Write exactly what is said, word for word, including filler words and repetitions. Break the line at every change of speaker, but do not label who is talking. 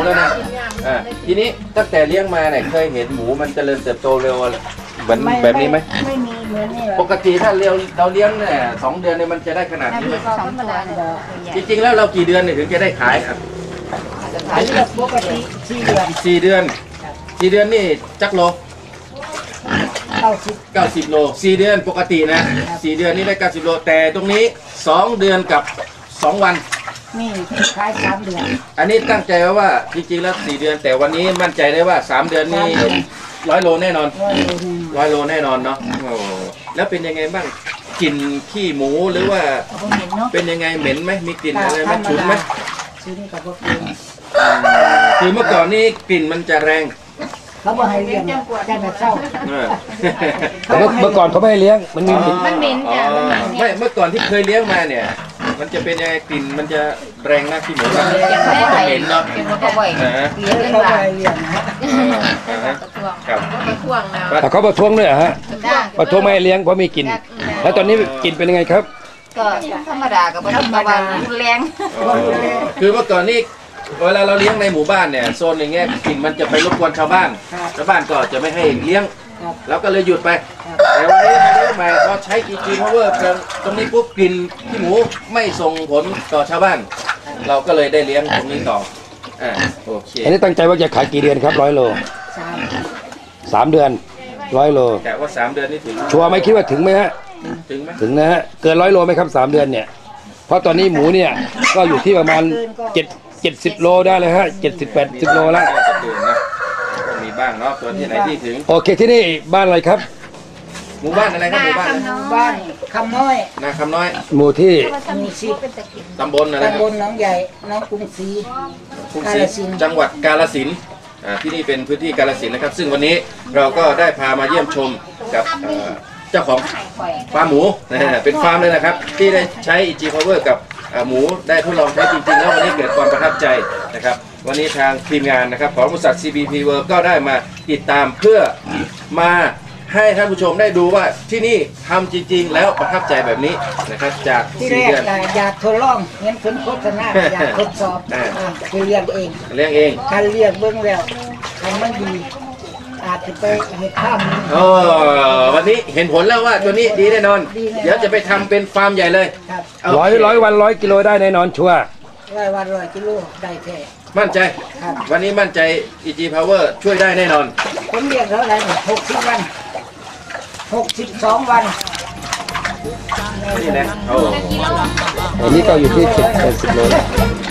แล้วนะอ่าทีนี้ตั้งแต่เลี้ยงมาเนี่ยเคยเห็นหมูมันเจริญเติบโตเร็วเหมือนแบบนี้ไหม
ไม่มีเหมือนนี่
ปกติถ้าเราเราเลี้ยงเนี่ยสองเดือนเนี่ยมันจะได้ขนาดนี้ไหม
สองตัว
จริงๆแล้วเรากี่เดือนเนี่ยถึงจะได้ขายครับ
ขายแบบปกติสี่เดือน
สี่เดือนสี่เดือนนี่จักโล
เก้าสิบ
เก้าสิบโลสี่เดือนปกตินะสี่เดือนนี่ได้เก้าสิบโลแต่ตรงนี้สองเดือนกับสองวัน
นี่ขายสามเดือน
อันนี้ตั้งใจไว้ว่าจริงๆแล้วสี่เดือนแต่วันนี้มั่นใจได้ว่าสามเดือนนี่ร้อยโลแน่นอน
ร้อยโลนึง
ร้อยโลแน่นอนเนาะโอ้แล้วเป็นยังไงบ้างกลิ่นขี้หมูหรือว่า
ผมเห็นเนาะ
เป็นยังไงเหม็นไหมมีกลิ่นอะไรไหมฉุนไหม
ซื้อนี่กับพวกเอง
คือเมื่อก่อนนี่กลิ่นมันจะแรง
เขาบอกให้เลี้ยงแต่แบบเศร้า
เออ
แต่เมื่อเมื่อก่อนเขาไม่ให้เลี้ยงมันมี
มันเหม็นจ้ะมันเหม็น
ไม่เมื่อก่อนที่เคยเลี้ยงมาเนี่ย มันจะเป็นยังไงกลิ่นมันจะแรงนะขี้หมูมัน
เก็บ
จะ
ไว้
เหม็นเนาะ
เก็บไว้ไว้
อ่าฮะ
เลี้ยงเลี้ยง
เขา
หลา
ไป
น
เลี้ยงนะ
อ่าฮะ
กระทวง
ครับ
กระทวงแล้ว
แต่เขาประท้วงด้วยเหรอฮะ
จ้า
ประท้วงไม่ให้เลี้ยงเพราะมีกลิ่นแล้วตอนนี้กลิ่นเป็นยังไงครับ
ก็ธรรมดากับธรรมดารุนแรง
คือเมื่อก่อนนี่เวลาเราเลี้ยงในหมู่บ้านเนี่ยโซนอย่างเงี้ยกลิ่นมันจะไปรบกวนชาวบ้านชาวบ้านก็จะไม่ให้เลี้ยงแล้วก็เลยหยุดไปแต่วันนี้มาเลี้ยงใหม่พอใช้ อี จี Power ตรงนี้ปุ๊บกลิ่นขี้หมูไม่ส่งผลต่อชาวบ้าน เราก็เลยได้เลี้ยงตรงนี้ต่ออ่าโอเค
อันนี้ตั้งใจว่าจะขายกี่เดือนครับร้อยโล
สาม
สามเดือนร้อยโล
แต่ว่าสามเดือนนี่ถึง
ชัวร์ไหมคิดว่าถึงไหมฮะ
ถึงไหม
ถึงนะฮะเกินร้อยโลไหมครับสามเดือนเนี่ยเพราะตอนนี้หมูเนี่ยก็อยู่ที่ประมาณเจ็ดเจ็ดสิบโลได้เลยฮะเจ็ดสิบแปดสิบโลแล้ว
น่าจะถึงนะมีบ้างเนาะตัวที่ไหนที่ถึง
โอเคที่นี่บ้านอะไรครับ
หมู่บ้านอะไรครับหมู่บ้านอะไร
บ้านคำน้อย
นาคำน้อย
หมู่ที่
หมู่สิบ
ตำบลอะไรครั
ตำ
บบ
ลหน้องใหญ่น้องกรุงศรี
กรุงศรีจังหวัดกาฬสินธุ์อ่าที่นี่เป็นพื้นที่กาฬสินธุ์นะครับ ซึ่งวันนี้เราก็ได้พามาเยี่ยมชมกับเอ่อเจ้าของฟาร์มหมูนะฮะเป็นฟาร์มเลยนะครับ ที่ได้ใช้ อี จี Power กับเอ่อหมูได้ทดลองใช้จริงๆแล้ววันนี้เกิดความประทับใจนะครับ วันนี้ทางทีมงานนะครับของบริษัท ซี บี พี World ก็ได้มาติดตามเพื่อมาให้ท่านผู้ชมได้ดูว่าที่นี่ทำจริงๆ แล้วประทับใจแบบนี้นะครับจาก
ที่แร
สี่
ก
เดือน
อยากทดลองเห็นผลโฆษณาอยากทดสอบ
อ่า
คือเลี้ยงเอง
เลี้ยงเอง
การเลี้ยงเบื้องแล้วทำมันดีอาจจะไปเห็ดข้ามนี้
เออวันนี้เห็นผลแล้วว่าตัวนี้ดีแน่นอน
ดีแน่นอน
เดี๋ยวจะไปทำเป็นฟาร์มใหญ่เลย
ครับ
ร้อยร้อยวันร้อยกิโลได้แน่นอนชัวร์
ร้อยวันร้อยกิโลได้แท้
มั่นใจ
ครับ
วันนี้มั่นใจ อี จี Power ช่วยได้แน่นอน
ผมเลี้ยงเท่าไหร่หกสิบวันหกสิบสองวัน
นี่นะโอ้
อันนี้ก็อยู่ที่เจ็ดแปดสิบโลแล้ว